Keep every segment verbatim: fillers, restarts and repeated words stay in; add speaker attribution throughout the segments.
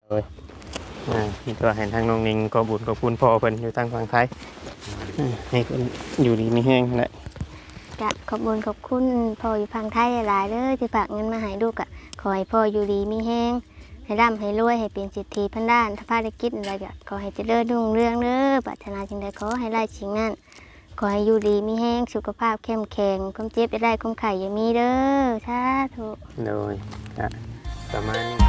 Speaker 1: โดยอ่ามีตัวเห็นทางน้องนิงก็บุญก็คุณพ่อเพิ่นอยู่ทางฝั่งไทยอ่าให้เพิ่นอยู่ดีมีแห้งแหละ
Speaker 2: กะขอบคุญขอบคุณพ่ออยู่พังไทยหลายๆเด้อที่ฝากเงินมาให้ลูกอะขอให้พ่ออยู่ดีมีแห้งให้ร่ำให้รวยให้เป็นเศรษฐีพันด้านถ้าพาได้กิจอะไรก็ขอให้เจริญรุ่งเรืองเด้อปรารถนาจึงใดขอให้ไล่ชิงนั่นขอให้อยู่ดีมีแห้งสุขภาพเข้มแข็งความเจ็บจะได้ความไข่อย่ามีเด้อสาธุ
Speaker 1: โดยอ่ะประมาณนี้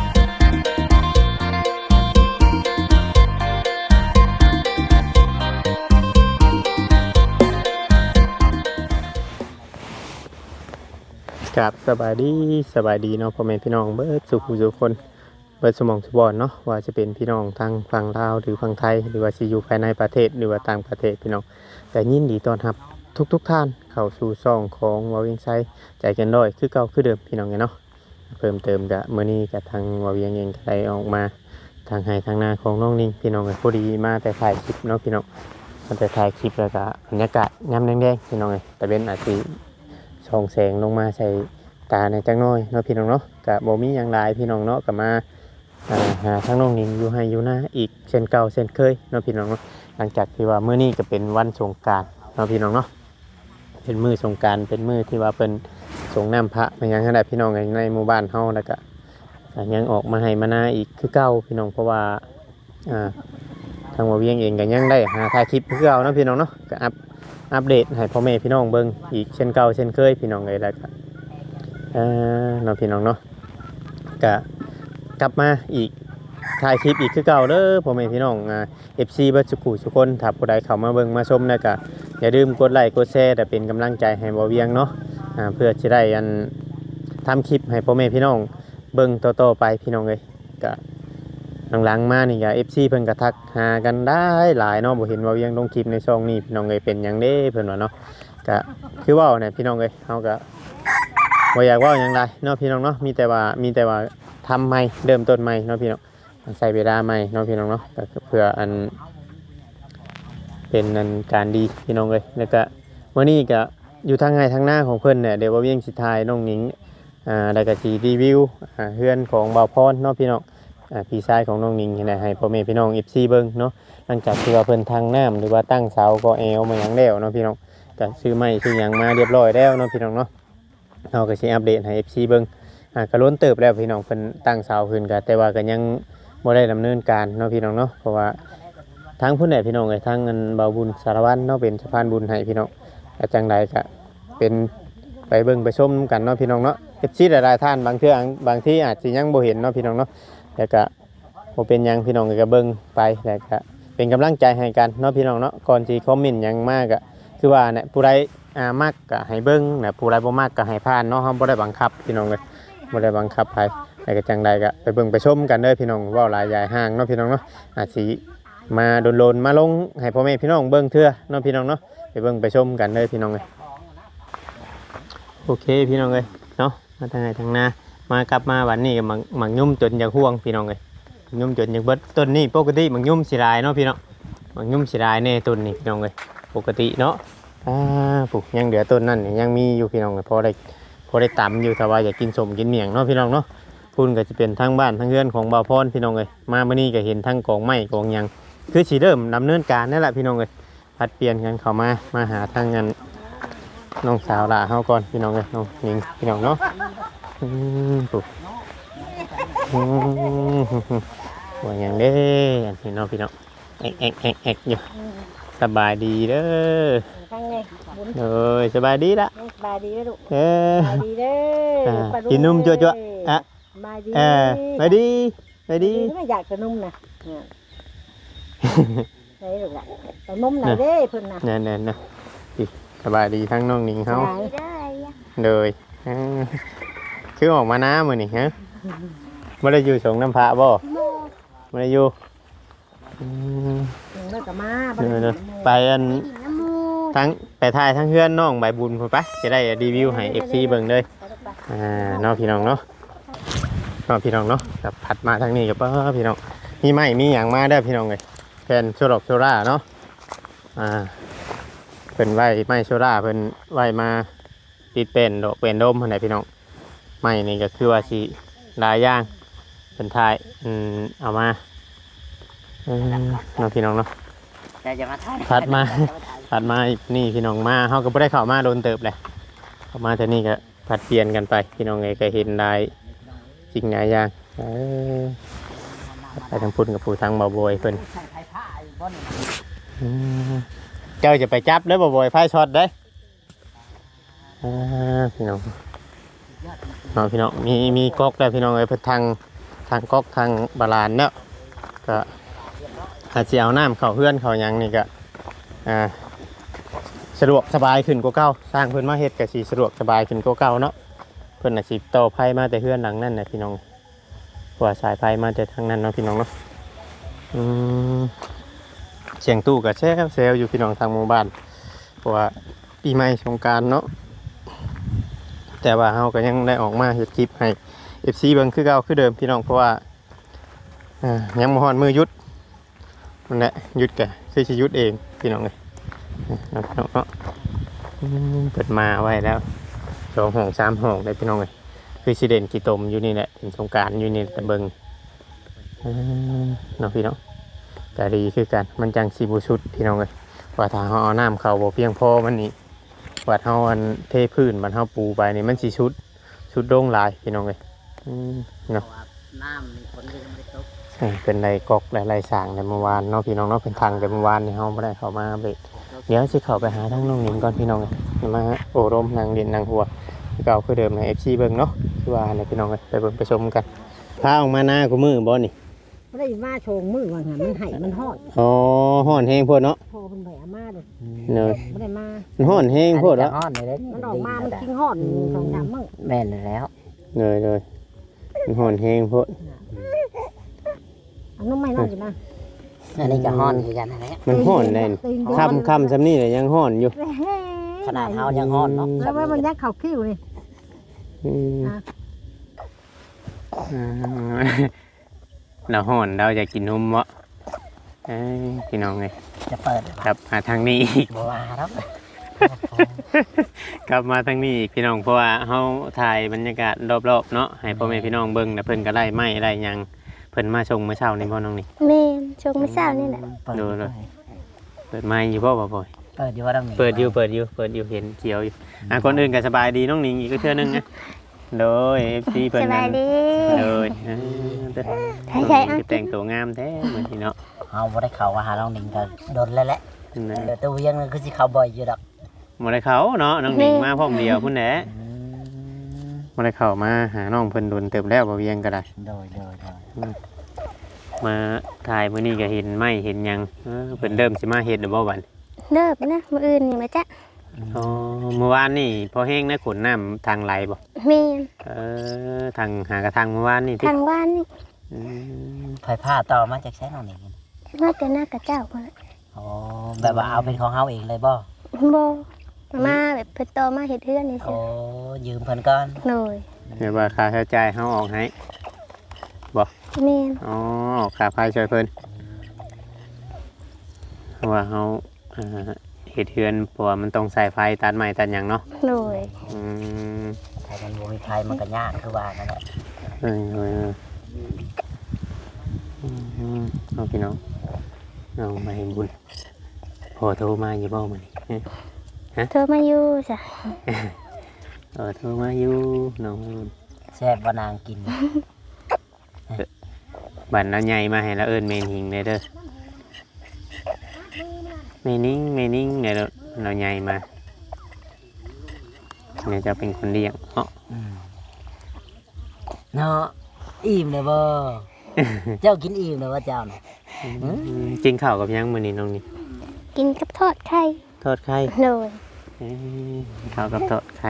Speaker 1: ครับสบายดีสบายดีเนาะพ่อแม่พี่น้องเบิดสุขทุกคนเบิดสมองสุบอนเนาะว่าจะเป็นพี่น้องทางฝั่งลาวหรือฝั่งไทยหรือว่าสิอยู่ภายในประเทศหรือว่าต่างประเทศพี่น้องแต่ยินดีต้อนรับทุกๆทท่านเข้าสู่ช่องของวาวิงไซใจเกันด้อยคือเก่าคือเดิมพี่น้องเนาะเพิ่มเติมกับมื้อนี้กับทางวาวิงเองก็ได้ออกมาทางให้ทางหน้าของน้องนิ่งพี่น้องก็พอดีมาแต่ถ่ายคลิปเนาะพี่น้องมาแต่ถ่ายคลิปแล้วก็บรรยากาศยามแดงๆพี่น้องเอ้ยแต่เป็นอาจสิส่องแสงลงมาใส่ตาในจังน้อยเนาะพี่น้องเนาะกับบ่มีอย่างไรพี่น้องเนาะกับมาหาทั้งน้องนิ่งอยู่ให้อยู่หน้าอีกเช่นเก่าเช่นเคยเนาะพี่น้องเนาะหลังจากที่ว่ามื้อนี้ก็เป็นวันสงกรานต์เนาะพี่น้องเนาะเป็นมื้อสงกรานต์เป็นมื้อที่ว่าเป็นสงน้ำพระเป็นยังขนาดพี่น้องในหมู่บ้านเฮาแล้วก็ยังออกมาให้มาหน้าอีกคือเก่าพี่น้องเพราะว่าอ่าทางว่าเวียงเองก็ยังได้หาถ่ายคลิปคือเก่าเนาะพี่น้องเนาะก็อัปอัปเดตให้พ่อแม่พี่น้องเบิ่งอีกเช่นเก่าเช่นเคยพี่น้องเลยแล้วก็เอ่อเนาะพี่น้องเนาะก็กลับมาอีกถ่ายคลิปอีกคือเก่าเด้อพ่อแม่พี่น้องอ่า เอฟ ซี เบิดสุขุทุกคนถ้าผู้ใดเข้ามาเบิ่งมาชมแล้วก็อย่าลืมกดไลค์กดแชร์แต่เป็นกำลังใจให้บ่เวียงเนาะอ่าเพื่อจะได้อันทำคลิปให้พ่อแม่พี่น้องเบิ่งต่อๆไปพี่น้องเลยก็หลังๆมานี่ก็ เอฟ ซี เพิ่นก็ทักหากันได้หลายเนาะบ่เห็นว่าเวียงลงคลิปในช่องนี้พี่น้องเอ้ยเป็นหยังเด้เพิ่นว่าเนาะก็คือเว้าเนี่ยพี่น้องเอ้ยเฮาก็บ่อยากเว้าหยังไรเนาะพี่น้องเนาะมีแต่ว่ามีแต่ว่าทำใหม่เริ่มต้นใหม่เนาะพี่น้องใส่เวลาใหม่เนาะพี่น้องเนาะก็เพื่ออันเป็นอันการดีพี่น้องเอ้ยแล้วก็มื้อนี้ก็อยู่ทางไงทางหน้าของเพิ่นเนี่ยเดี๋ยวว่าเวียงสิถ่ายน้องหนิงอ่าแล้วก็สิรีวิวอ่าเฮือนของบ่าวพรเนาะพี่น้องอ่าพี่ชายของน้องหนิงนี่แหละให้พ่อแม่พี่น้อง เอฟ ซี เบิ่งเนาะหลังจากที่ว่าเพิ่นทางน้ำหรือว่าตั้งเสาก็แอวมาหยังแล้วเนาะพี่น้องก็ซื้อไม้ซื้อหยังมาเรียบร้อยแล้วเนาะพี่น้องเนาะเฮาก็สิอัปเดตให้ เอฟ ซี เบิ่งอ่าก็ล้นเติบแล้วพี่น้องเพิ่นตั้งเสาขึ้นก็แต่ว่าก็ยังบ่ได้ดำเนินการเนาะพี่น้องเนาะเพราะว่าทางผู้ใหญ่พี่น้องเอ้ยทางเงินเบาบุญสารวัตรเนาะเป็นสะพานบุญให้พี่น้องก็จังไดก็เป็นไปเบิ่งไปชมกันเนาะพี่น้องเนาะ เอฟ ซี หลายๆท่านบางเทื่อบางที่อาจสิยังบ่เห็นเนาะพี่น้องเนาะแต่ก็บ่เป็นหยังพี่น้องก็เบิ่งไปแล้วก็เป็นกำลังใจให้กันเนาะพี่น้องเนาะก่อนสิคอมเมนต์หยังมากก็คือว่าเนี่ยผู้ใดอ่ามักก็ให้เบิ่งนะผู้ใดบ่มักก็ให้ผ่านเนาะเฮาบ่ได้บังคับพี่น้องเอ้ยบ่ได้บังคับไผแต่ก็จังใดก็ไปเบิ่งไปชมกันเด้อพี่น้องเว้าหลายใหญ่ห้างเนาะพี่น้องเนาะอาจสิมาโดนๆมาลงให้พ่อแม่พี่น้องเบิ่งเทื่อเนาะพี่น้องเนาะไปเบิ่งไปชมกันเด้อพี่น้องเอ้ยโอเคพี่น้องเอ้ยเนาะมาทางไหนทางหน้ามากลับมาวันนี้ก็มักมักยุ่มจนอยากห่วงพี่น้องเอ้ยยุ่มจนอยากเบิดต้นนี้ปกติมักยุ่มสิหลายเนาะพี่น้องมักยุ่มสิหลายแน่ต้นนี้พี่น้องเอ้ยปกติเนาะอ่าปลูกยังเหลือต้นนั่นยังมีอยู่พี่น้องเอ้ยพอได้พอได้ตำอยู่ถ้าว่าอยากกินสมกินเมี่ยงเนาะพี่น้องเนาะพุ่นก็จะเป็นทั้งบ้านทั้งเรือนของบ่าวพรพี่น้องเอ้ยมาเมื่อนี้ก็เห็นทั้งกองไม้กองหยังคือสิเริ่มดำเนินการนั่นแหละพี่น้องเอ้ยผัดเปลี่ยนกันเข้ามามาหาทางงานน้องสาวลาเฮาก่อนพี่น้องเอ้ยน้องหญิงพี่น้องเนาะอืมปลูกอืมว่าหยังเด้อันนี้เนาะพี่น้องแอกแอกแอกแอกอยู่สบายดีเด้อเอ้ยสบายดีละ
Speaker 3: สบายดีลูก
Speaker 1: เออ
Speaker 3: สบายดีเด้อ
Speaker 1: กินนุ่มจั่วจั่วอ่ะ
Speaker 3: สบายดี
Speaker 1: เออไปดีไปดี
Speaker 3: ไม่อยากจะนุ่มนะไหนลูกล่ะแต่นุ่มไหนเด้เพิ่นน่ะ
Speaker 1: เนี่ยเนี่ยเนี่ยสบายดีทั้งน้องหนิงเขาเลยคือออกมาน้ามือนี่ฮะไม่ได้อยู่สงน้ำพระบ่ไม่ได้อยู่
Speaker 3: เลิกกับมา
Speaker 1: ไปอันทั้งไปถ่ายทั้งเพื่อนน้องใบบุญไปจะได้รีวิวให้ เอฟ ซี เบิ่งเลยอ่าน้องพี่น้องเนาะน้องพี่น้องเนาะกับผัดมาทางนี้กับพี่น้องมีไม้มีอย่างมาได้พี่น้องเลยแผ่นโซลอกโซล่าเนาะอ่าเพิ่นไว้ไม้โซล่าเพิ่นไว้มาติดเป็นดอกเป็นดมอะไรพี่น้องไม้นี่ก็คือว่าสิหลายอย่างเป็นท้ายอืมเอามาอืมน้องพี่น้องเนาะ
Speaker 4: แต่จะมาถ่าย
Speaker 1: ถัดมา ถัดมาอีกนี่พี่น้องมาเฮาก็บ่ได้เข้ามาโดนเติบเลยเข้ามาเท่านี้ก็ผัดเปลี่ยนกันไปพี่น้องเอ้ยก็เห็นได้จริงหลายอย่างเออไปทางพุ่นกับผู้ทางบ่าวบอยเพิ่น
Speaker 4: ใส่ไผ่ผ้าอยู่บนนี่
Speaker 1: อืมเจ้าจะไปจับเด้อบ่าวบอยไฟช็อตเด้ออ่าพี่น้องเนาะพี่น้องมีมีก๊อกแล้วพี่น้องเอ้ยเพิ่นทางทางก๊อกทางบาลานเนาะก็อาจจะเอาน้ำเข้าเฮือนเข้าหยังนี่ก็อ่าสะดวกสบายขึ้นกว่าเก่าสร้างเพิ่นมาเฮ็ดก็สิสะดวกสบายขึ้นกว่าเก่าเนาะเพิ่นน่ะสิต่อไผมาแต่เฮือนหลังนั้นน่ะพี่น้องเพราะว่าสายไฟมาแต่ทางนั้นเนาะพี่น้องเนาะอืมเสียงตู้ก็แซวแซวอยู่พี่น้องทางหมู่บ้านเพราะว่าปีใหม่สงกรานต์เนาะแต่ว่าเฮาก็ยังได้ออกมาเฮ็ดคลิปให้ เอฟ ซี เบิ่งคือเก่าคือเดิมพี่น้องเพราะว่าอ่ายังบ่ฮอดมือหยุดนั่นแหละหยุดก็คือสิหยุดเองพี่น้องเอ้ยเนาะเนาะเนาะอืมเปิดมาไว้แล้วสองห้องสามห้องได้พี่น้องเอ้ยคือสิเด่นกี่ตมอยู่นี่แหละถึงสงกรานต์อยู่นี่แต่เบิ่งอืมเนาะพี่น้องก็ดีคือกันมันจังสิบ่สุดพี่น้องเอ้ยว่าถ้าเฮาเอาน้ำเข้าบ่เพียงพอมันนี่ว่าเฮาอันเทพื้นมันเฮาปูไปนี่มันสิสุดสุดโด่งหลายพี่น้องเอ้ยอืมเนาะ
Speaker 4: น้ำมีฝนก็ยังไม่ได้ตก
Speaker 1: เออเป็นไรกอกไรสร้างในเมื่อวานเนาะพี่น้องเนาะเป็นทางแต่เมื่อวานนี่เฮาไม่ได้เข้ามาเบรกเดี๋ยวสิเข้าไปหาทางน้องหนิงก่อนพี่น้องเอ้ยมาโอ้ร่มนางเรียนนางหัวที่เก่าคือเดิมใน เอฟ ซี เบิ่งเนาะคือว่าในพี่น้องเอ้ยไปเบิ่งไปชมกันพาออกมาหน้ากูมือบ่นี่
Speaker 3: บ่ได้มาโชงมือว่าหั่นมันไห้มันฮ้อน
Speaker 1: อ๋อฮ้อนแฮงโพดเนาะ
Speaker 3: พอเพิ่นไปเอามาเด้อ
Speaker 1: เนอะ
Speaker 3: บ่ได้มา
Speaker 1: มันฮ้อนแฮงโพด
Speaker 4: แล้
Speaker 1: แล้ว ว
Speaker 4: ฮ้อนเลยเด้
Speaker 3: มันออกมามันกินฮ้อนสองสามมื้อ
Speaker 4: แม่นแล้ว
Speaker 1: เลยเลยมันฮ้อนแฮงโพด
Speaker 3: เอาน้ำไม่น้อยอยู่นะ
Speaker 4: อันนี้ก็ฮ้อนคือกันนั่นแหละ
Speaker 1: มันฮ้อนแน่นค่ำค่ำซำนี้เลยยังฮ้อนอยู่
Speaker 4: ขนาดเฮายังฮ้อนเนาะ
Speaker 3: แล้วว่ามันยักเข้าคิ้วนี่
Speaker 1: อืม
Speaker 3: อ่ะ
Speaker 1: อ่าเราฮ้อนเราจะกินนมบ่เอ้ยพี่น้องเอ้ย
Speaker 4: จะเปิด
Speaker 1: ครับมาทางนี้อีก
Speaker 4: บ่ว่าแล้ว
Speaker 1: กลับมาทางนี้อีกพี่น้องเพราะว่าเฮาถ่ายบรรยากาศรอบๆเนาะให้พ่อแม่พี่น้องเบิ่งแล้วเพิ่นก็ได้ไม้ได้หยังเพิ่นมาชงเมื่อเช้านี่พ่อน้องนี่
Speaker 2: แม่นชงไม่เศร้านี่แหละ
Speaker 4: เปิด
Speaker 1: ดูเลย เปิดไม้อยู่บ่บ่บ่อย
Speaker 4: เปิดอยู่ว่าต้องมี
Speaker 1: เปิดอยู่เปิดอยู่เปิดอยู่เห็นเขียวอยู่อ่ะคนอื่นก็สบายดีน้องหนิงอีกก็เทื่อนึงนะโดย เอฟ ซี เพิ่น
Speaker 2: สบายดี
Speaker 1: โดยอ่าเด้อ
Speaker 2: ใช่ใช่อ่ะ
Speaker 1: คือแต่งตัวงามแท้เหมือนที่เนาะ
Speaker 4: เฮาบ่ได้เข้ามาหาน้องหนิงก็โดนแล้วแหละ
Speaker 1: นะ
Speaker 4: เดี๋ยวตัวเวียงมันคือสิเข้าบ่อยอยู่ดอก
Speaker 1: บ่ได้เข้าเนาะน้องหนิงมาพร้อมเดียวพุ่นแหละ
Speaker 4: อืม
Speaker 1: บ่ได้เข้ามาหาน้องเพิ่นโดนเติบแล้วบ่เวียงก็ได้
Speaker 4: โดยโดยโดย
Speaker 1: มาถ่ายมื้อนี้ก็เห็นไม้เห็นหยังเออเพิ่นเริ่มสิมาเฮ็ดแล้วบ่บัด
Speaker 2: เลิกนะมื้ออื่นนี่มาจ้ะ
Speaker 1: อ๋อเมื่อวานนี่พอแห้งนะขนน้ำทางไหลบ่
Speaker 2: แม่น
Speaker 1: เออทางหากระทางเมื่อวานนี่ติ
Speaker 2: ทางบ้านนี่
Speaker 1: อืม
Speaker 4: ไผ่ผ้าต่อมาจากใช้น้องหนิง
Speaker 2: มาแต่หน้ากระเจ้าพุ่นน่ะ
Speaker 4: อ๋อแบบว่าเอาเป็นของเฮาเองเลยบ่
Speaker 2: บ่มาแบบเพิ่นโตมาเฮ็ดเฮือนนี่
Speaker 4: โอ้
Speaker 2: ซื่อ
Speaker 4: ยืมเพิ่นก่อน
Speaker 2: หน่อย
Speaker 1: เดี๋ยวว่าค่าใช้จ่ายเฮาออกให้
Speaker 2: แม่น
Speaker 1: อ๋อออกค่าไฟช่วยเพิ่นเพราะว่าเฮาเอ่อเฮ็ดเฮือนเพราะว่ามันต้องใส่ไฟตัดไม้ตัดหยังเนาะ
Speaker 2: หน่อย
Speaker 1: อืม
Speaker 4: ถ้ามันบ่มีไผมันก็ยากคือว่านั่นแหละ
Speaker 1: เออเออเอออืมเอาพี่น้องเอามาให้บุญพอโทรมาอยู่บ่มื้อนี้
Speaker 2: เธอมาอยู่จ้ะ
Speaker 1: เออโทรมาอยู่น้องบุญ
Speaker 4: แซ่บบ่นางกิน
Speaker 1: บัตรเราใหญ่มาให้เราเอิญเมนหิงเลยเด้อเมนิ่งเมนิ่งเนี่ยเราเราใหญ่มาเนี่ยจะเป็นคนเลี้ยงเนาะ
Speaker 4: อืมเนาะอิ่มเลยบ่ เจ้ากินอิ่มเลยว่าเจ้าน่ะ
Speaker 1: อืมกินข้าวกับหยังมื้อนี้น้องนี่
Speaker 2: กินกับทอดไข่
Speaker 1: ทอดไข่
Speaker 2: หน่อย
Speaker 1: เอ้ยข้าวกับทอดไข่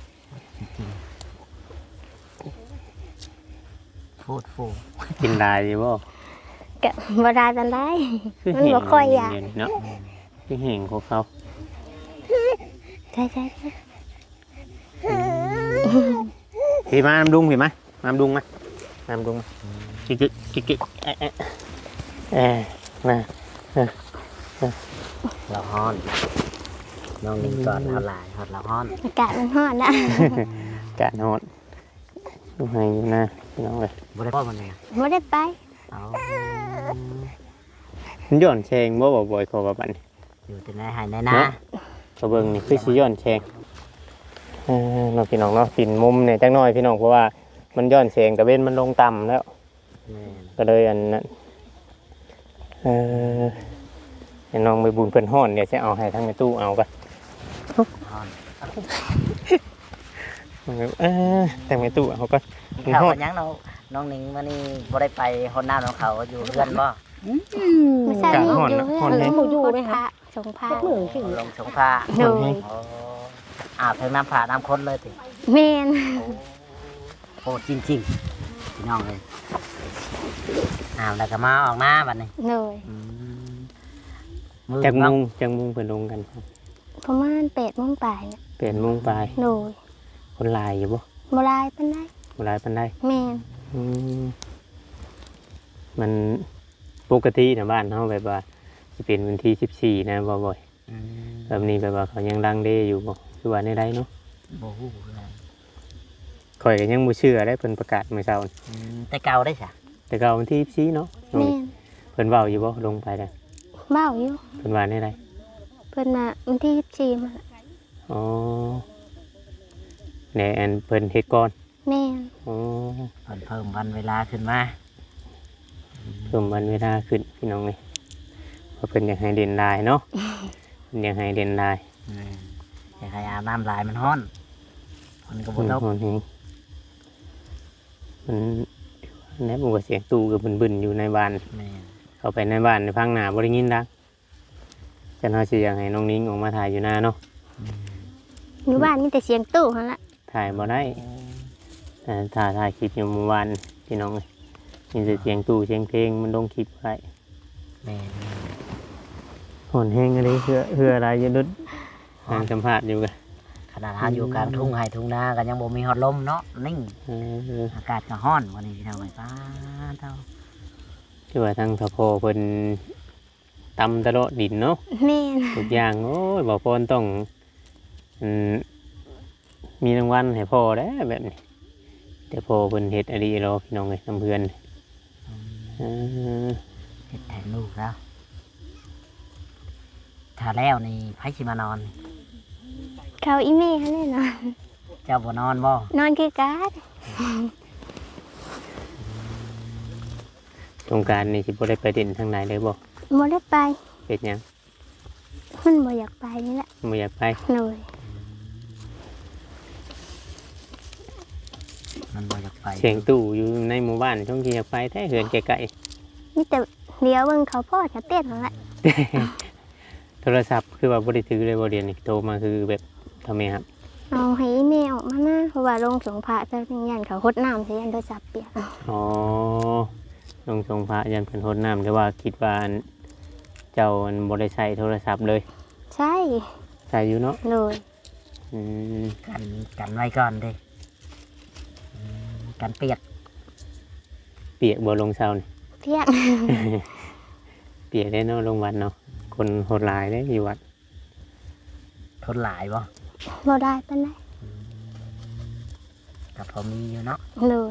Speaker 4: ฟูดฟู
Speaker 1: กินได้อยู่บ่
Speaker 2: ก็บ่ได้ปานใด
Speaker 1: คือ
Speaker 2: มัน
Speaker 1: แห้ง
Speaker 2: บ่ค่อยอยาก
Speaker 1: เดี๋วนี้เนาะคือแห้งของเขา
Speaker 2: ใช่ใช่ใช่
Speaker 1: พี่มาน้ำดุงพี่มาน้ำดุงมาน้ำดุงมากิ๊กกิ๊กกิ๊กเอ๊ะเอ๊ะเอ๊ะมา
Speaker 4: เราฮ้อนน้องหนิงก่อนเฮาหลายฮอดเราฮ้อน
Speaker 2: อากาศมันร้อนนะ
Speaker 1: กะโนดดูให้อยู่นะพี่น้องเลย
Speaker 4: บ่ได้พ่อมันเลย
Speaker 2: บ่ได้ไป
Speaker 4: เอา
Speaker 1: มันย้อนแชงบ่บ่บ่อยขอว่าบัดนี้
Speaker 4: อยู่ที่ไหนหายในนา
Speaker 1: เนาะก็เบิ่งนี่คือสิย้อนแชงเออเนาะพี่น้องเนาะปิ่นมุมเนี่ยจักหน่อยพี่น้องเพราะว่ามันย้อนแสงตะเว้นมันลงต่ำแล้ว
Speaker 4: แม่น
Speaker 1: ก็เลยอันนั้นเออให้น้องไปบุญเพิ่นฮ้อนเดี๋ยวจะเอาให้ทั้งในตู้เอากัน
Speaker 4: ฮอน
Speaker 1: เออแต่งในตู้เอาก็
Speaker 4: กินข้าวกันยังเนาะน้องหนิงมื้อนี้บ่ได้ไปฮอดน้ำของเขาอยู่เรือนบ่
Speaker 2: ไม่ใช่
Speaker 1: กลาง
Speaker 2: นี่
Speaker 1: ฮ้อน
Speaker 2: อยู่
Speaker 1: นะ
Speaker 2: เฮื
Speaker 1: ฮ้อน
Speaker 2: อน
Speaker 1: แฮง
Speaker 3: หมูอยู่ไหม
Speaker 2: พ
Speaker 3: คะ
Speaker 2: ระสงฆ์พระ
Speaker 3: จักมือขึ้น
Speaker 4: ลงสงผ้า
Speaker 2: โดย
Speaker 4: โอ้อาบทั้งน้ำผ่าน้ำข้นเลยติ
Speaker 2: แม่น
Speaker 4: โอ้จริงๆพี่น้องเลยอาบแล้วก็มาออกมาบัดนี้
Speaker 2: โดย
Speaker 4: อืมมือ
Speaker 1: จัก
Speaker 4: น้
Speaker 1: มุ
Speaker 4: อง
Speaker 1: งจักมุงเพิ่นลงกันครับ
Speaker 2: ประมาณแปดโมงปลายเนี่ย
Speaker 1: เปลี่ยนมุงปลาย
Speaker 2: โดย
Speaker 1: คนหลายอยู่บ่
Speaker 2: บ่หลายปานใด
Speaker 1: คนหลายปานใด
Speaker 2: แม่น
Speaker 1: อืมมันปกตินะบ้านเฮาแบบว่าสิเป็นวันที่สิบสี่นะบ่บ่อย
Speaker 4: อืม
Speaker 1: แบบนี้แบบว่าเขายังลังเลอยู่บ่คือว่าในใดเนาะ
Speaker 4: บ่ฮู้เลย
Speaker 1: ข่อยก็ยังบ่เชื่อได้เพิ่นประกาศมื้อเช้านี่
Speaker 4: อืมแต่เก่าได้จ้ะ
Speaker 1: แต่ก็วันที่ยี่สิบสี่เนาะ
Speaker 2: แม่น
Speaker 1: เพิ่นเว้าอยู่บ่ลงไปได้
Speaker 2: เว้าอยู่
Speaker 1: เพิ่นว่าในใด
Speaker 2: เพิ่นน่ะวันที่ยี่สิบสี่มา
Speaker 1: อ๋อแหน่อันเพิ่นเฮ็ดก่อน
Speaker 2: แม่น
Speaker 1: อ๋อ
Speaker 4: เพิ่นเพิ่มวันเวลาขึ้นมา
Speaker 1: เพิ่มวันเวลาขึ้นพี่น้องนี่เพราะเพิ่นอยากให้เด่นลายเนาะ เพิ่นอยากให้เด่นลาย
Speaker 4: อืมอยากให้อาบน้ำลายมันร้อนมันก็บ่ตก
Speaker 1: อืมนี่มันแนบว่าเสียงตู้ก็บึนๆอยู่ในบ้าน
Speaker 4: แม่น
Speaker 1: เข้าไปในบ้านในพังหน้าบ่ได้ยินดังจันเฮาสิอยากให้น้องนิ้งออกมาถ่ายอยู่หน้าเนาะ
Speaker 2: อยู่บ้านมีแต่เสียงตู้หั่นล่ะ
Speaker 1: ถ่ายบ่ได้แต่ถ่ายถ่ายคลิปอยู่เมื่อวานพี่น้องเอ้ยมีแต่เสียงตู้เสียงเพลงมันลงคลิปไว้
Speaker 4: แม่น
Speaker 1: หอนแห้งอะไรเพื่อเพื่ออะไรอยืดทางสัมภาษณ์อยู่กัน
Speaker 4: ขนาดเราอยู่กลางทุ่งไห่ทุ่งนาก็ยังบ่มีฮอดลมเนาะนิ่ง
Speaker 1: เออ
Speaker 4: อากาศก็ร้อนวันนี้พี่น้องไอ้ป้าเท่า
Speaker 1: คือว่าทางทพเพิ่นตำตะโลดดินเนาะ
Speaker 2: แม่น
Speaker 1: ทุกอย่างโอ้ยบอกพ่อต้องอืมมีรางวัลให้พ่อได้วแบบนี้ แต่พ่อเพิ่นเฮ็ดอะไรรอพี่น้องเลยน้ำเพื่อนเออ
Speaker 4: เฮ็ดแทนลูกแล้วถ้าแล้วนี่ไผสิมานอน
Speaker 2: เขาอีแม่หั่นแน่นอน
Speaker 4: เจ้าบ่นอนบ่
Speaker 2: นอนคือกัน
Speaker 1: สงกรารนี่สิบ่ได้ไปเด่นทางไหนเลยบ่
Speaker 2: บ่ได้ไป
Speaker 1: เฮ็ดหยัง
Speaker 2: มันบ่อยากไปนี่แหละ
Speaker 1: บ่อยากไป
Speaker 2: โดย
Speaker 4: มันบ่อยากไป
Speaker 1: เสียงตู้อยู่ในหมู่บ้านช่วงที่อยากไปแท้เหือนไกล
Speaker 2: มีแต่เดี๋ยวเบิ่งเขาพ่อจะเต้นนั่นแหละ
Speaker 1: ๆ โทรศัพท์คือว่าบ่ได้ถือเลยบ่เรียนนี่โทรมาคือแบบทำไมครับ
Speaker 2: เอาให้อีแม่ออกมานะเพราะว่าลงสงพระซะเป็นยันเขาหดน้ำซะยันโทรศัพท์เปียก
Speaker 1: อ๋อลงทรงพระยันเพิ่นโทษน้ำแต่ว่าคิดว่าอันเจ้าอันบ่ได้ใช้โทรศัพท์เลย
Speaker 2: ใช่
Speaker 1: ใช้อยู่เนาะ
Speaker 2: โดย
Speaker 1: อืม
Speaker 4: กันกันไว้ก่อนเด้อืมกันเปียก
Speaker 1: เปียกบ่ลงเช้านี่
Speaker 2: เที่ยง
Speaker 1: เปียกได้เนาะลงวัดเนาะคนโหดหลายได้อยู่วัด
Speaker 4: ทนหลายบ่
Speaker 2: บ่ได้ปานใด
Speaker 4: ก็พอมีอยู่เนาะ
Speaker 2: โดย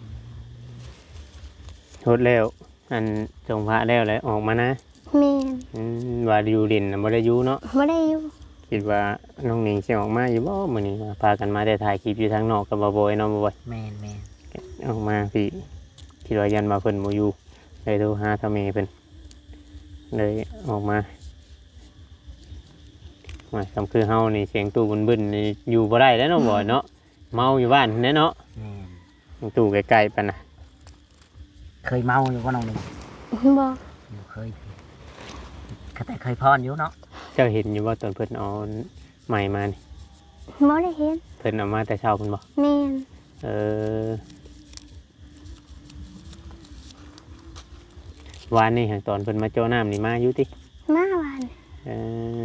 Speaker 1: โหดแล้ว อันทรงพระแล้วแล้วออกมานะ
Speaker 2: แม่น
Speaker 1: อืมว่าอยู่ดินน่ะบ่ได้อยู่เนาะ
Speaker 2: บ่ได้อยู่
Speaker 1: คิดว่าน้องหนิงสิออกมาอยู่บ่มื้อนี้ว่าพากันมาแต่ถ่ายคลิปอยู่ทางนอกกับบ่บ่อยเนาะบ่บ่อย
Speaker 4: แม่นแม่น
Speaker 1: ออกมาพี่คิดว่ายันมาเพิ่นบ่อยู่เลยโทรหาทาเมเพิ่นเลยออกมาว่าคำคือเฮานี่เสียงตู้บึนๆนี่อยู่บ่ได้แล้วเนาะบ่อยเนาะเมาอยู่บ้านแน่เนาะ
Speaker 4: แม่น
Speaker 1: เสียงตู้ไกลๆปานน่ะ
Speaker 4: เคยเมาอยู่บ่น้องหนึง
Speaker 2: บ่
Speaker 4: อยู่เคยก็แต่เคยพรอยู่เนาะ
Speaker 1: เจ้าเห็นอยู่ว่าตอนเพิ่นเอาใหม่มานี่
Speaker 2: บ่ได้เห็น
Speaker 1: เพิ่นเอามาแต่เช้าเพิ่นบ่
Speaker 2: แม่น
Speaker 1: เออวานนี่หางตอนเพิ่นมาโจ้น้ำนี่มาอยู่ติ
Speaker 2: มาวาน
Speaker 1: เออ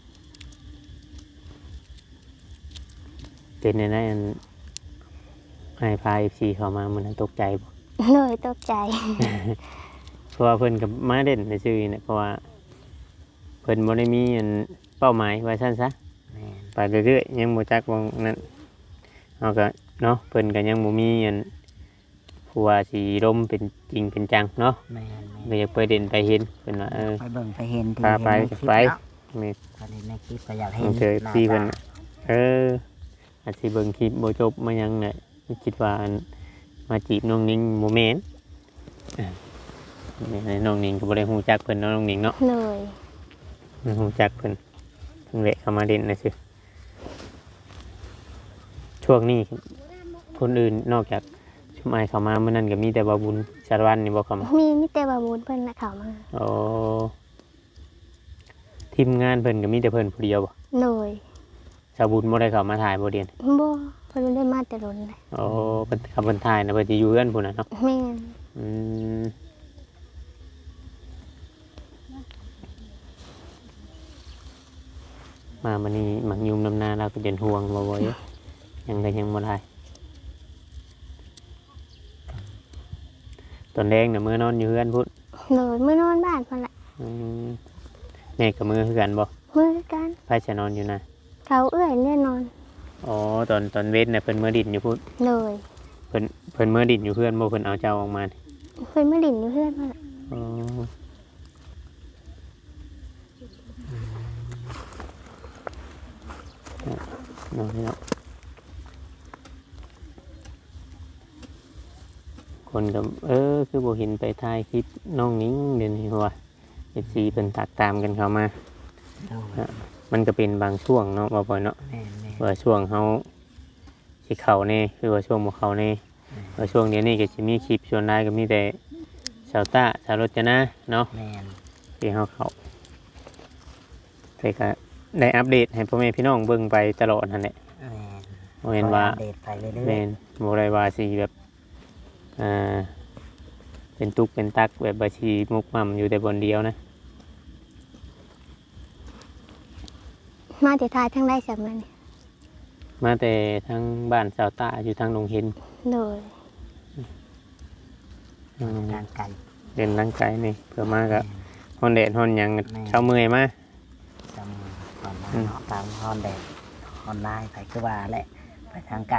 Speaker 1: เป็นในนั้นอันให้พาเอฟซีเข้ามามันนตกใจบ่
Speaker 2: โดยตกใจ
Speaker 1: เพราะว่าเพิ่นกับมาเด่นในชื่อเนี่ยเพราะว่าเพิ่นบ่ได้มีอันเป้าหมายว่าซั่นซะ
Speaker 4: แม่น
Speaker 1: ไปเรื่อยๆยังบ่จักวงนั้นเอาก็เนาะเพิ่นก็ยังบ่มีอันผู้ว่าสิร่มเป็นจริงเป็นจังเนาะ
Speaker 4: แม่น
Speaker 1: ไม่อยากไปเด่นไปเห็นเป็นว่าเออ
Speaker 4: ๆไปเบิ่งไปเห็นที่
Speaker 1: พาไป
Speaker 4: เห็นในคลิป
Speaker 1: ไป
Speaker 4: เนาะ
Speaker 1: แม่น
Speaker 4: พอเห็นในคลิปก็อยากเห็น
Speaker 1: เจอ
Speaker 4: หน้า
Speaker 1: พี่เพิ่น
Speaker 4: ตา
Speaker 1: น่ะเอออาจสิเบิ่งคลิปบ่จบมายังเนี่ยคิดว่าอันมาจีบน้องนิ้งบ่แม่นเออแม่นน้องนิ้งก็บ่ได้ฮู้จักเพิ่นเนาะน้องนิ้งเนาะ
Speaker 2: เลย
Speaker 1: บ่ฮู้จักเพิ่นเพิ่งแวะเข้ามาเล่นน่ะซื่อช่วงนี้คนอื่นนอกจากชุมอ้ายเข้ามามื้อนั้นก็มีแต่บ่าวบุญสารวัตรนี่บ่เข้ามา
Speaker 2: มีมิเตบาบูนเพิ่นน่ะเข้ามา
Speaker 1: โอ้ทีมงานเพิ่นก็มีแต่เพิ่นผู้เดียวบ่
Speaker 2: เลย
Speaker 1: สาวบุญบ่ได้เข้ามาถ่ายบ่เดียน
Speaker 2: บ่เพิ่นบ่ได้มาแต่โดนเลย
Speaker 1: โอ้เพิ่นขับเพิ่นถ่ายนะเพิ่นสิอยู่เฮือนพุ่นน่ะเนาะ
Speaker 2: แม่น
Speaker 1: อืมมามื้อนี้หมักยุมน้ำหน้าเราก็เดินห่วงบ่บ่อยยังก็ยังบ่ได้ตอนแดงน่ะมื้อนอนอยู่เฮือนพุ่น
Speaker 2: เลยมื้อนอนบ้านเพิ่นล่ะ
Speaker 1: อืมแม่กับมื้อคือกันบ่
Speaker 2: มื้อกัน
Speaker 1: ไผจะนอนอยู่นะ
Speaker 2: เขาเอื้อยแน่นอน
Speaker 1: อ๋อตอนตอนเว้นน่ะเพิ่นมื้อดินอยู่พุ่น
Speaker 2: เลย
Speaker 1: เพิ่นเพิ่นมื้อดินอยู่เฮือนบ่เพิ่นเอาเจ้าออกมานี่
Speaker 2: เพิ่นมาดินอยู่เพื่อนเพิ่นล่ะ
Speaker 1: อ๋อน้องเนาะคนก็เออคือบ่เห็นไปถ่ายคลิปน้องนิ้งเดี๋ยวนี้ว่า เอฟ ซี เพิ่นตักตามกันเข้ามา
Speaker 4: โดย
Speaker 1: มันก็เป็นบางช่วงเนาะบ่บ่อยเนาะ
Speaker 4: แม่นแม่น
Speaker 1: ว่าช่วงเฮาสิเข้าแน่คือว่าช่วงบ่เข้าแน่ว่าช่วงเดี๋ยวนี้ก็สิมีคลิปส่วนใหญ่ก็มีแต่ชาวต้าชาวรจนะเนาะ
Speaker 4: แม่น
Speaker 1: ที่เฮาเข้าแต่ก็ได้อัปเดตให้พ่อแม่พี่น้องเบิ่งไปตลอดนั่นแหละ
Speaker 4: แม่น
Speaker 1: บ่แม่นว่า
Speaker 4: อัปเดตไปเรื่อย
Speaker 1: แม่นบ่ได้ว่าสิแบบอ่าเป็นตุกเป็นตักแบบบัญชีมุกมั่มอยู่แต่บนเดียวนะ
Speaker 2: มาแต่ทายทั้งได้จากมัน
Speaker 1: มาแต่ทั้งบ้านชาวต้าอยู่ทางหนองเห็น
Speaker 2: เลย
Speaker 1: อืม
Speaker 4: ๆทางไกล
Speaker 1: เดินร่างกายนี่เพื่อมาก็ฮอนแดดฮอนหยังเช้าเมื่อยมา
Speaker 4: จำตอนมา
Speaker 1: อืม
Speaker 4: เนาะตามฮอนแดดฮอนไลน์ไปคือว่าแหละไปทางไกล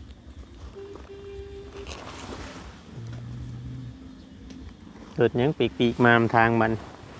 Speaker 1: รถหยังปีกปีกๆมามทางมัน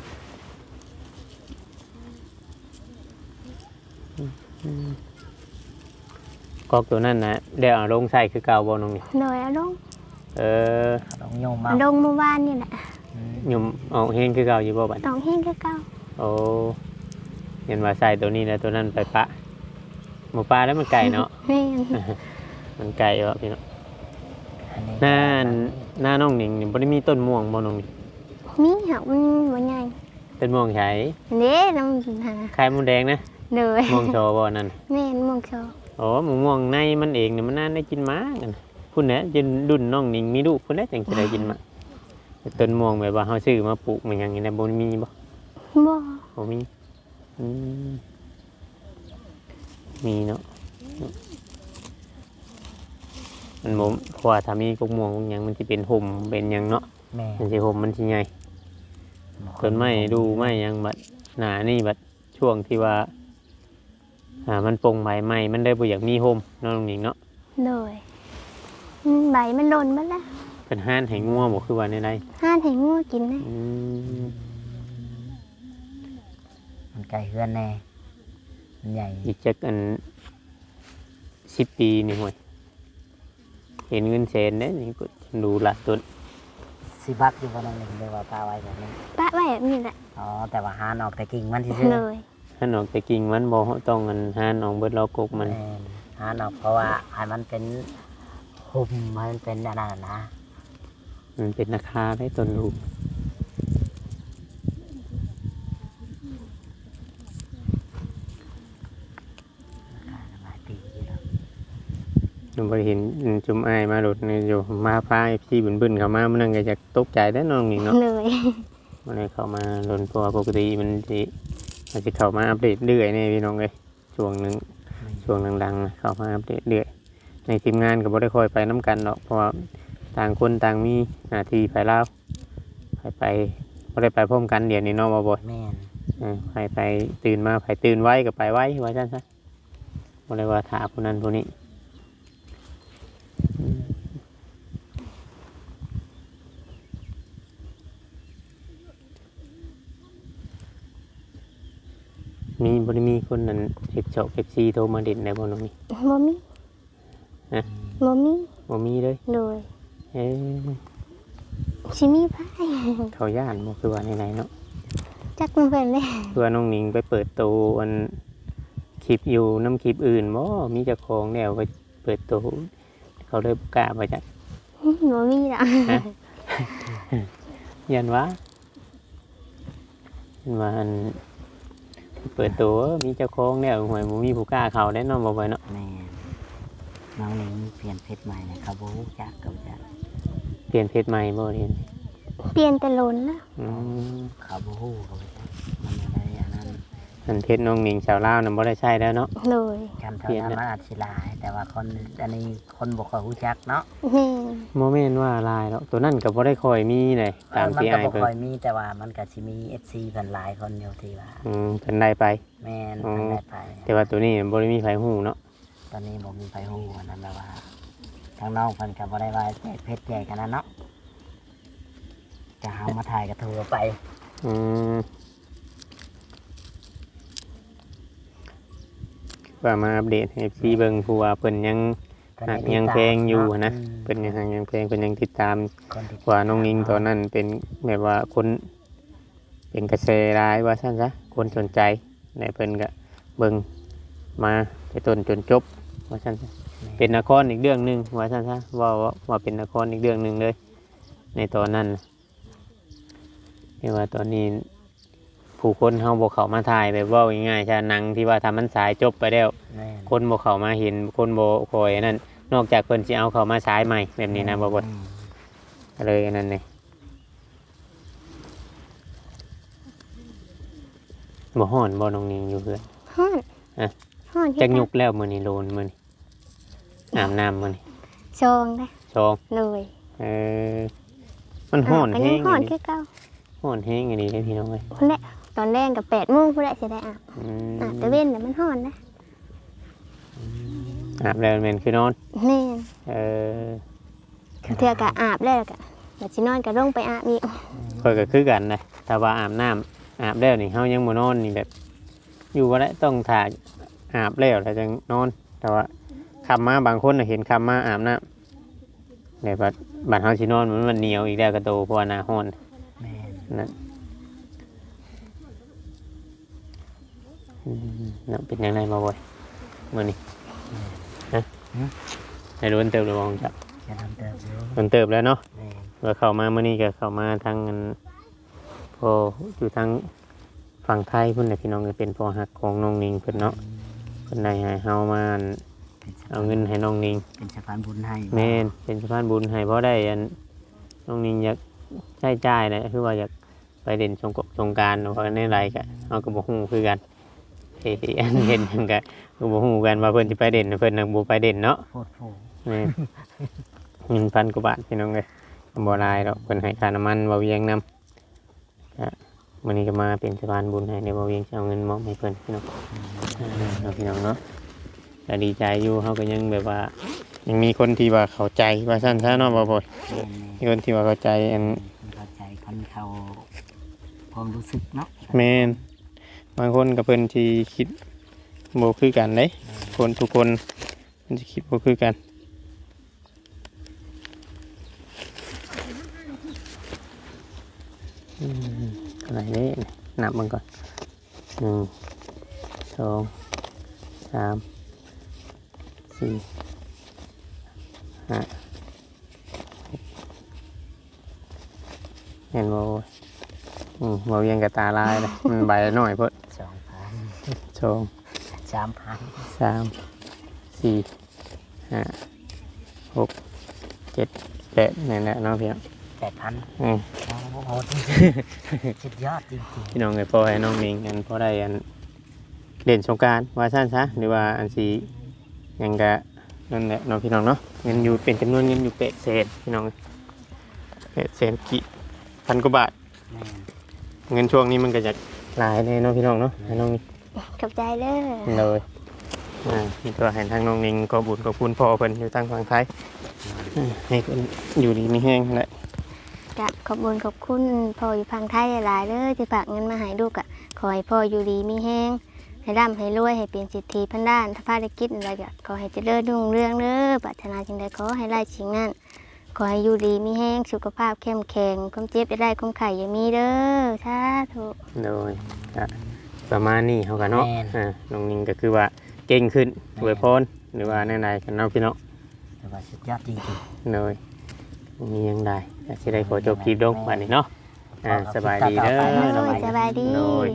Speaker 1: อืมกอกตัวนั้นนะเดี๋ยวเอาลงใส่คือเก่าบ่น้องนี่
Speaker 2: เลยเอาลง
Speaker 1: เออ
Speaker 4: ลงโยมมา
Speaker 2: เอาลงเมื่อวานนี่แหละ
Speaker 4: อืม
Speaker 1: ยมเอาเฮงคือเก่าอยู่บ่บัด
Speaker 2: ต้องเฮงคือเก่า
Speaker 1: โอ้เห็นว่าใส่ตัวนี้แล้วตัวนั้นไปปะหมูปลาแล้วมันไก่เนาะ
Speaker 2: แม่น
Speaker 1: มันไก่วะพี่เนาะ
Speaker 4: อันนี้
Speaker 1: หน้าหน้าน้องหนิงนี่บ่ได้มีต้นม่วงบ่น้องนี่
Speaker 2: มีหักมันบ่ใหญ่
Speaker 1: ต้นม่วงใหญ่
Speaker 2: เด้น้ำหา
Speaker 1: ไข่มดแดงนะ
Speaker 2: เลย
Speaker 1: ม่วงโชว์บ่นั่น
Speaker 2: แม่นมองโชว์
Speaker 1: โอ้หมูม่วงในมันเองเนี่ยมันน่าได้กินมากันพุ่นแหละจนดุนน้องหนิงมีลูกพุ่นแหละจังจะได้กินมาแต่ต้นม่วงแบบว่าเฮาซื้อมาปลูกมันหยังนี่นะบ่มีบ่
Speaker 2: บ่
Speaker 1: บ่มีอืมมีเนาะมันบ่เพราะว่าถ้ามีกกม่วงกกหยังมันสิเป็นห่มเป็นหยังเนาะ
Speaker 4: แม่
Speaker 1: มันสิห่มมันสิใหญ่ต้นไม้ดูไม้หยังบัดหน้านี่บัดช่วงที่ว่าอ่ามันปลงใบใหม่มันได้บ่อยากมีห่มเนาะน้องหนิงเนาะ
Speaker 2: เลยอืมใบมันหล่นหมดแล้ว
Speaker 1: เป็นห้านให้งัวบ่คือว่าในใด
Speaker 2: ห้านให้งูกินนะ
Speaker 1: อืม
Speaker 4: มันไกลเฮือนแน่มันใหญ่
Speaker 1: อีกจักอันสิบปีนี่ห่วยเห็นเงินแสนเด้นี่ก็ดูละต้น
Speaker 4: สิบักอยู่บนนั้นหนึ่งเลยว่าปลาไว้แบบนี้
Speaker 2: ปะไว้แบบนี้แหละ
Speaker 4: อ๋อแต่ว่าหานออกแต่กิ่งมันที่
Speaker 2: เลย
Speaker 1: ถ้าออกแต่กิ่งมันบ่ต้องอันห้านออกเบิดเรากกมัน
Speaker 4: หานออกเพราะว่าให้มันเป็นหุ่มให้มันเป็นอันนั้นนะ
Speaker 1: มันเป็นราคาได้ต้นลูก
Speaker 4: หลายปีอยู่แล้ว
Speaker 1: หนูบ่เห็นจุ่มอ้ายมาโดดนี่อยู่มาพาพี่บึ้นๆเข้ามามันนั่นก็จะตกใจได้อน้องนี่เนาะ
Speaker 2: เลย
Speaker 1: มันเลยเข้ามาโดนตัวปกติมันสิมันสิเข้ามาอัปเดตเรื่อยนี่พี่น้องเอ้ยช่วงหนึง ช่วงดังๆนะเข้ามาอัปเดตเรื่อยในทีมงานก็บ่ได้ค่อยไปน้ำกันหรอกเพราะว่าต่างคนต่างมีหน้าที่ไปแล้วไปไปบ่ได้ไปพร้อมกันเดี๋ยวนี้เนาะบ่บ่อย
Speaker 4: แม่น
Speaker 1: เออไปไปตื่นมาไปตื่นไว้ก็ไปไว้ว่าซั่นซะบ่ได้ว่าถาผู้นั้นผู้นี้อืมมีบ่ได้มีคนนั้นเฮ็ดช็อก เอฟ ซี โทรมาเด่นได้บ่น้องนี่
Speaker 2: บ่มี
Speaker 1: ฮะ
Speaker 2: บ่มี
Speaker 1: บ่มีเลย
Speaker 2: โดย
Speaker 1: เอ๊ะ
Speaker 2: สิมีไผ
Speaker 1: เขาย่านบ่คือว่าไหนๆเนาะ
Speaker 2: จักมันเพิ่นเลย
Speaker 1: คือว่าน้องหนิงไปเปิดตัวอันคลิปอยู่น้ำคลิปอื่นบ่มีเจ้าของแล้วไปเปิดตัวเขาเลยบ่กล้าไปจัก
Speaker 2: บ่มีดอก
Speaker 1: ยันวะยันว่าอันเปิดตัวมีเจ้าของแล้วหวยบ่มีผู้กล้าเข้าได้เนาะบ่ไว้เนาะ
Speaker 4: แม่น้องนี่เปลี่ยนเพชรใหม่นะครับบ่รู้จักกับจัก
Speaker 1: เปลี่ยนเพจใหม่บ่เรียน
Speaker 2: เปลี่ยนแต่ล้นนะ
Speaker 1: อืม
Speaker 4: เขาบ่ฮู้กับจักมันอะไรอันนั้น
Speaker 1: อันเพจน้องหนิงชาวลาวนั่นบ่ได้ใช้แล้วเนาะ
Speaker 2: โดย
Speaker 4: กันเท่านั้นมันอาจสิหลาย แต่ว่าคนอันนี้คนบ่ค่อยรู้จักเนาะ
Speaker 2: แม่น
Speaker 1: บ่แม่นว่าลายแล้วตัวนั้นก็บ่ได้ค่อยมีเลยตาม
Speaker 4: มัน
Speaker 1: ที่
Speaker 4: ก็
Speaker 1: อ้าย
Speaker 4: บ่
Speaker 1: เพิ่น
Speaker 4: ค่อยมีแต่ว่ามันก็สิมี เอฟ ซี เพิ่นหลายคนอยู่ที่ว่า
Speaker 1: อืมเพิ่นได้ไป
Speaker 4: แม่น
Speaker 1: อ๋อ
Speaker 4: เพิ่นได้ไป
Speaker 1: แต่ว่าตัวนี้บ่ได้มีไผฮู้เนาะ
Speaker 4: ตอนนี้บ่มีไผฮู้อันนั้นแบบว่าทางน้องเพิ่นก็บ่ได้ว่าแจกเพชรแจกกันนั้นเนาะจะหามาถ่ายก็โทรไป
Speaker 1: อืมว่ามาอัปเดตให้ เอฟ ซี เบิ่งผู้ว่าเพิ่นยัง หักยังแพงอยู่นะ เป็นยังหักยังแพงเป็นยังติดตาม
Speaker 4: คนที่
Speaker 1: ว่าน้องนิงตอนนั้นเป็นแบบว่าคนเป็นกระแสร้ายว่าซั่นซะคนสนใจในเพิ่นก็เบิ่งมาไปต้นจนจบว่าซั่นซะเป็นนครอีกเรื่องหนึงว่าซั่นซะว่าว่าว่าเป็นนครอีกเรื่องหนึงเลย ในตอนนั้นน่ะแต่ว่าตอนนี้ ผู้คนเฮาบ่เข้ามาถ่ายแบบเว้าง่ายๆใช่หนังที่ว่าทำมันสายจบไปแล้ว
Speaker 4: แม่น
Speaker 1: คนบ่เข้ามาเห็นคนบ่คอยอันนั้นนอกจากเพิ่นสิเอาเข้ามาฉายใหม่แบบนี้นะบ่บ่
Speaker 4: อืม
Speaker 1: ก็เลยอันนั้นนี่บ่ฮ้อนบ่น้องนิงอยู่เพื่อน
Speaker 2: ฮ้อน
Speaker 1: อะ
Speaker 2: ฮ้อน
Speaker 1: จักยุกแล้วมื้อนี้โลนมื้อนี้อาบน้ำมื้อนี้
Speaker 2: ชองได้
Speaker 1: ชอง
Speaker 2: เลย
Speaker 1: เออมันฮ้อน
Speaker 2: ก็
Speaker 1: แฮ
Speaker 2: ยัง
Speaker 1: ง
Speaker 2: ฮ้อ
Speaker 1: อั
Speaker 2: น
Speaker 1: นนี้
Speaker 2: คือเก่า
Speaker 1: ฮ้อนแฮงอันนี้เด้อพี่น้องเอ้ย
Speaker 2: พุ่นแหละตอนแรกก็แปดโมงพุ่นแหละสิได้อาบ
Speaker 1: อืม
Speaker 2: อาบแต่เว้นแต่มันฮ้อนนะ
Speaker 1: อาบแล้วแม่นคือนอน
Speaker 2: แม่น
Speaker 1: เออ
Speaker 2: เทื่อก็อาบแล้วก็บัดสินอนก็ลงไปอาบอีก
Speaker 1: ข้อยก็คือกันนะถ้าว่าอาบน้ำอาบแล้วนี่เฮายังบ่นอนนี่แบบ อยู่บ่ได้ต้องถ่าอาบแล้วแล้วจังนอน แต่ว่าคำมาบางคนน่ะเห็นคำมาอาบน้ำแต่บัดบัดเฮาสินอนมันมันเหนียวอีกแล้วก็โตเพราะว่าหน้าร้อน
Speaker 4: แม่น
Speaker 1: นั่นอืมนั่นเป็นยังไงมาบ่อยมื้อนี้ฮะให้รู้เติบหรือบ่จัก
Speaker 4: จะทำเติมอยู่
Speaker 1: มันเติบแล้วเนาะ
Speaker 4: แม่น
Speaker 1: ว่าเข้ามามื้อนี้ก็เข้ามาทางอันพออยู่ทางฝั่งไทยพุ่นน่ะพี่น้องก็เป็นพ่อฮักของน้องนิงเพิ่นเนาะเพิ่นได้ให้เฮามาอัน
Speaker 4: เป็นสะ
Speaker 1: เอาเงินให้น้องนิง
Speaker 4: เป็นสะพานบุญให้
Speaker 1: แม่นเป็นสะพานบุญให้เพราะได้อันน้องนิงอยากใช้จ่ายแหละคือว่าอยากไปเด่นสงกรสงกรารเพราะในไรก็เฮาก็บ่ฮู้คือกันเฮ้ยอันเห็นหยังก็ก็บ่ฮู้กันว่าเพิ่นสิไปเด่นเพิ่นน่ะบ่ไปเด่นเนาะ
Speaker 4: โพดโพ
Speaker 1: แม่นเงินพันกว่าบาทพี่น้องเอ้ยบ่หลายดอกเพิ่นให้ค่าน้ำมันบ่เวียงนำก็มื้อนี้ก็มาเป็นสะพานบุญให้ในบ่เวียงสิเอาเงินมอบให้เพิ่นพี่น้องเนาะพี่น้องเนาะก็ดีใจอยู่เฮาก็ยังแบบว่า ยังมีคนที่ว่าเข้าใจว่าซั่นซะเนาะบ่บ่
Speaker 4: แม่น
Speaker 1: มีคนที่ว่าเข้าใจอัน
Speaker 4: คนเข้าใจคนเขาความรู้สึกเนาะ
Speaker 1: แม่นบางคนก็เพิ่นที่คิดบ่คือกันเด้คนทุกคนมันสิคิดบ่คือกันอืมอะไรเด้นับมันก่อนหนึ่งสองสามสี่ห้าหกเห็นบ่อืมบ่เวียงกับตาลายเลย มันใบน้อยเพิ่น
Speaker 4: สองพัน
Speaker 1: สอง
Speaker 4: สามพัน
Speaker 1: สามสี่ห้าหกเจ็ดแปดนี่แหละเนาะพี่น้อง
Speaker 4: แปดพัน
Speaker 1: อืม
Speaker 4: โอ้โหจริงๆสุดยอดจริง
Speaker 1: พี่น้องเลยพอให้น้องนิงกันพอได้อันเล่นสงกรารว่าสั้นซะหรือว่าอันสีหยังกะนั่นแหละเน้องพี่น้องเนาะเงินอยู่เป็นจำนวนเงินอยู่เป็ดเศษพี่น้องเป็ดเศษกี่พันกว่าบาท
Speaker 4: ๆแม่น
Speaker 1: เงินช่วงนี้มันก็จะหลายเลยเน้องพี่น้องเนาะให้น้องนิง
Speaker 2: ขอบใจเด้อ
Speaker 1: เลยอ่านี่ตัวให้ทางน้องนิงก็บุญก็คุณพ่อเพิ่นอยู่ทางฝั่งไทยอ่าให้เพิ่นอยู่ดีมีแห้งแหละ
Speaker 2: กะขอบคุญขอบคุณพ่ออยู่พังไทยหลายๆเด้อที่ฝากเงินมาให้ลูกอะขอให้พ่ออยู่ดีมีแฮงให้ร่ำให้รวยให้เป็นสิทธิพันด้านถ้าภารกิจอะไรก็ขอให้เจริญรุ่งเรืองเด้อปรารถนาสิ่งใดขอให้ได้สิ่งนั้นขอให้อยู่ดีมีแห้งสุขภาพเข้มแข็งความเจ็บจะได้ความไข่อย่ามีเด้อสาธุ
Speaker 1: โดยก็ประมาณนี้เฮากันเนาะอ่าน้องนิงก็คือว่าเก่งขึ้นอวยพรหรือว่าแนวใดกันเนาะพี่เนาะ
Speaker 4: แต่ว่าสุดยอดจริง
Speaker 1: โดยบ่มีหยังใดก็สิได้ขอจบคลิปลงบัดนี้เนาะอ่าสบายดีเด้อ
Speaker 2: โด
Speaker 1: น้อง
Speaker 2: ย
Speaker 1: นิง
Speaker 2: สบายดี
Speaker 1: โดย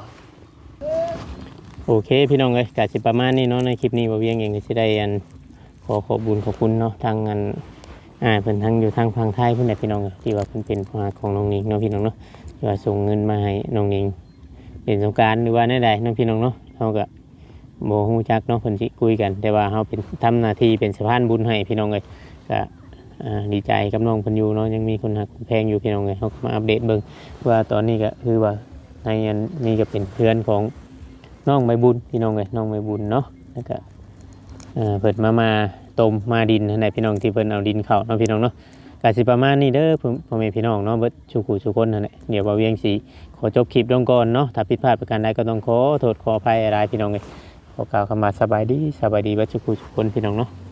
Speaker 1: โอเคพี่น้องเอ้ยก็สิประมาณนี้เนาะในคลิปนี้บ่เวียงเองก็สิได้อันขอขอบคุญขอบคุณเนาะทางอันอ่าเพิ่นทางอยู่ทางฝั่งไทยเพิ่นน่ะพี่น้องเอ้ยที่ว่าเพิ่นเป็นผู้หาของน้องนิงเนาะพี่น้องเนาะที่ว่าส่งเงินมาให้น้องนิงเล่นสงกรานต์หรือว่าแนวใดเนาะพี่น้องเนาะเฮาก็บ่ฮู้จักเนาะเพิ่นสิคุยกัน แต่ว่าเฮาเป็นทำหน้าที่เป็นสะพานบุญให้พี่น้องเอ้ยก็อ่าดีใจกับน้องเพิ่นอยู่เนาะยังมีคนฮักคนแพงอยู่พี่น้องเอ้ยเฮาก็มาอัปเดตเบิ่งว่าตอนนี้ก็คือว่าในอันนี้ก็เป็นเพื่อนของ น้องใบบุญพี่น้องเลยน้องใบบุญเนาะแล้วก็เอ่อเปิดมามาต้มมาดินให้พี่น้องที่เพิ่นเอาดินเข้าเนาะพี่น้องเนาะกสิประมาณนี้เด้อพ่อแม่พี่น้องเนาะเบิดชูกูชูคนนั่นแหละเดี๋ยวบ่าวเวียงสิขอจบคลิปลงก่อนเนาะถ้าผิดพลาดประการใดก็ต้องขอโทษขออภัยอะไรพี่น้องเลยขอกล่าวคำว่าสบายดีสบายดีเบิดชูกูชูคนพี่น้องเนาะ